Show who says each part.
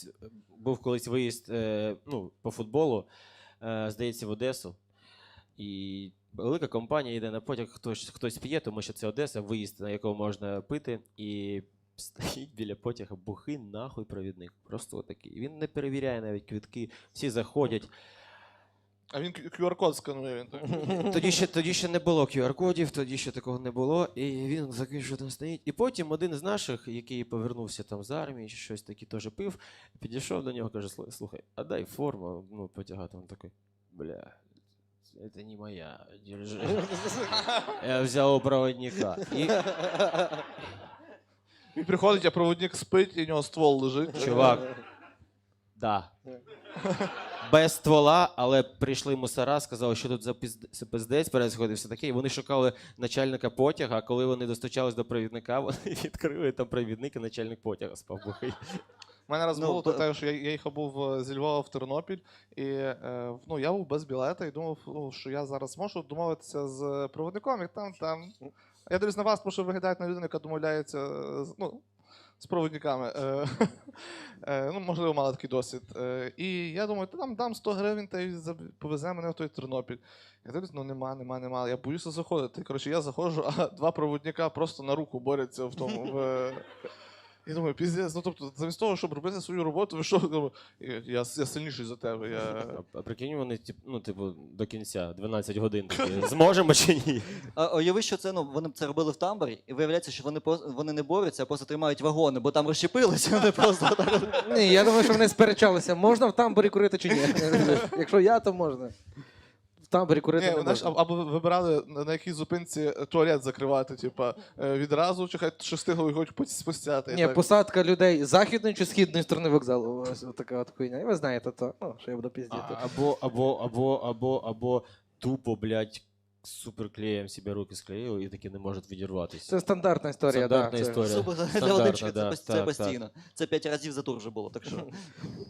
Speaker 1: Був колись виїзд по футболу, здається, в Одесу. І велика компанія йде на потяг, хтось п'є, тому що це Одеса, виїзд, на якому можна пити. І стоїть біля потяга бухий нахуй провідник. Просто отакий. Він не перевіряє навіть квитки, всі заходять.
Speaker 2: А він QR-код сканує, він так?
Speaker 1: Тоді ще не було QR-кодів, тоді ще такого не було. І він такий, що там стоїть. І потім один з наших, який повернувся там з армії, чи щось таке теж пив, підійшов до нього, каже: слухай, а дай форму, потягати. Він такий: бля, це не моя, держи. Я взяв у проводника.
Speaker 2: Він приходить, а проводник спить, і у нього ствол лежить.
Speaker 1: Чувак, да. Без ствола, але прийшли мусора, сказали, що тут за пиздець пересходив, все таке. І вони шукали начальника потяга, а коли вони достучались до провідника, вони відкрили там провідник і начальник потяга спав бухий.
Speaker 2: У мене раз було те, що я їхав був зі Львова в Тернопіль, і я був без білета і думав, що я зараз можу домовитися з проводником, і там. Я дивлюсь на вас, тому що виглядаєте на людину, яка домовляється з проводниками. Можливо, мала такий досвід. І я думаю, там дам 100 гривень та й повезе мене в той Тернопіль. Я дивлюсь, нема. Я боюся заходити. Коротше, я заходжу, а два проводника просто на руку борються в тому. Я думаю, піздець, тобто, замість того, щоб робити свою роботу, ви що, я сильніший за тебе.
Speaker 1: А прикинь, вони, до кінця, 12 годин такі, зможемо чи ні?
Speaker 3: А уяви, що це, вони це робили в тамбурі, і виявляється, що вони не борються, а просто тримають вагони, бо там розщепилися, вони просто так.
Speaker 4: Ні, я думаю, що вони сперечалися, можна в тамбурі курити чи ні. Якщо я, то можна. В тамбурі курити не можна.
Speaker 2: Або вибирали, на якій зупинці туалет закривати, відразу, чи хай шестиго його спустяти.
Speaker 4: Ні, посадка людей з західної чи східної сторони вокзалу. Ось така от хуйня. І ви знаєте, що я буду піздіти.
Speaker 1: Або тупо, блядь, суперклеєм себе руки склеїли і таки не можуть відірватися.
Speaker 4: Це стандартна історія, так.
Speaker 1: Стандартна історія.
Speaker 3: Супер, для
Speaker 1: Стандартна,
Speaker 3: водички
Speaker 1: да,
Speaker 3: це
Speaker 1: так,
Speaker 3: постійно. Це 5 разів за тур вже було, так що.